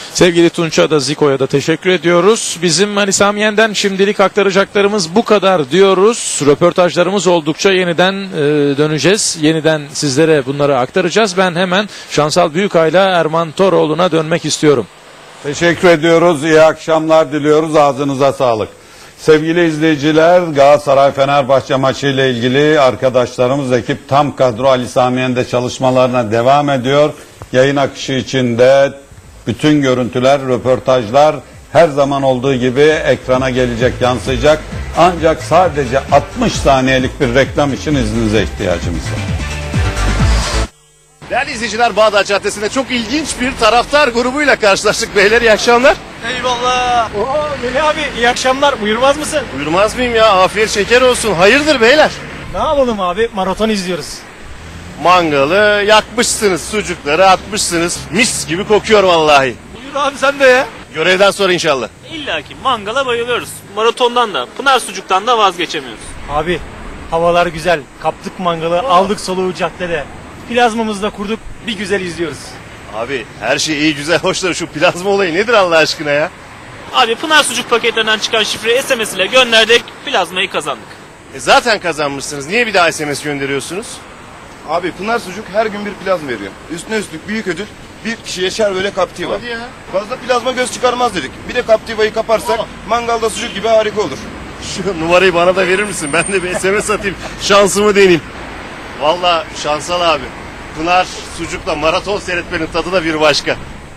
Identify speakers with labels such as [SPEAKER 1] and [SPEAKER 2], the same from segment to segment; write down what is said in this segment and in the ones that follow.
[SPEAKER 1] Sevgili Tunç'a da Ziko'ya da teşekkür ediyoruz. Bizim Ali Sami Yen'den şimdilik aktaracaklarımız bu kadar diyoruz. Röportajlarımız oldukça yeniden döneceğiz. Yeniden sizlere bunları aktaracağız. Ben hemen Şansal Büyükay'la Erman Toroğlu'na dönmek istiyorum.
[SPEAKER 2] Teşekkür ediyoruz. İyi akşamlar diliyoruz. Ağzınıza sağlık. Sevgili izleyiciler, Galatasaray-Fenerbahçe maçı ile ilgili arkadaşlarımız ekip tam kadro Ali Sami Yen'de çalışmalarına devam ediyor. Yayın akışı içinde bütün görüntüler, röportajlar her zaman olduğu gibi ekrana gelecek, yansıyacak. Ancak sadece 60 saniyelik bir reklam için izninize ihtiyacımız var.
[SPEAKER 3] Değerli izleyiciler, Bağdat Caddesi'nde çok ilginç bir taraftar grubuyla karşılaştık. Beyler iyi akşamlar.
[SPEAKER 4] Eyvallah. Oo Melih abi iyi akşamlar. Buyurmaz mısın?
[SPEAKER 3] Buyurmaz mıyım ya? Afiyet şeker olsun. Hayırdır beyler?
[SPEAKER 4] Ne yapalım abi? Maraton izliyoruz.
[SPEAKER 3] Mangalı yakmışsınız, sucukları atmışsınız. Mis gibi kokuyor vallahi.
[SPEAKER 4] Buyur abi sen de ya.
[SPEAKER 3] Görevden sonra inşallah.
[SPEAKER 5] İlla ki mangala bayılıyoruz. Maratondan da, Pınar Sucuk'tan da vazgeçemiyoruz.
[SPEAKER 4] Abi havalar güzel. Kaptık mangalı, aldık soluğu caddede. Plazmamızı da kurduk. Bir güzel izliyoruz.
[SPEAKER 3] Abi her şey iyi güzel hoş da şu plazma olayı nedir Allah aşkına ya?
[SPEAKER 5] Abi Pınar Sucuk paketlerinden çıkan şifreyi SMS ile gönderdik, plazmayı kazandık.
[SPEAKER 3] Zaten kazanmışsınız. Niye bir daha SMS gönderiyorsunuz?
[SPEAKER 6] Abi Pınar Sucuk her gün bir plazma veriyor. Üstüne üstlük büyük ödül bir kişiye şerböle Captiva.
[SPEAKER 3] Hadi ya.
[SPEAKER 6] Fazla plazma göz çıkarmaz dedik. Bir de Captiva'yı kaparsak mangalda sucuk gibi harika olur.
[SPEAKER 3] Şu numarayı bana da verir misin? Ben de bir SMS atayım. Şansımı deneyeyim. Vallahi Şansal abi. Pınar Sucuk'la maraton seyretmenin tadı da bir başka.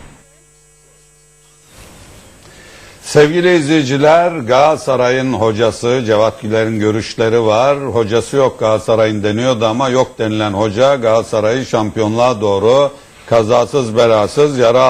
[SPEAKER 2] Sevgili izleyiciler, Galatasaray'ın hocası Cevat Güler'in görüşleri var. Hocası yok Galatasaray'ın deniyordu ama yok denilen hoca Galatasaray'ı şampiyonluğa doğru kazasız belasız yara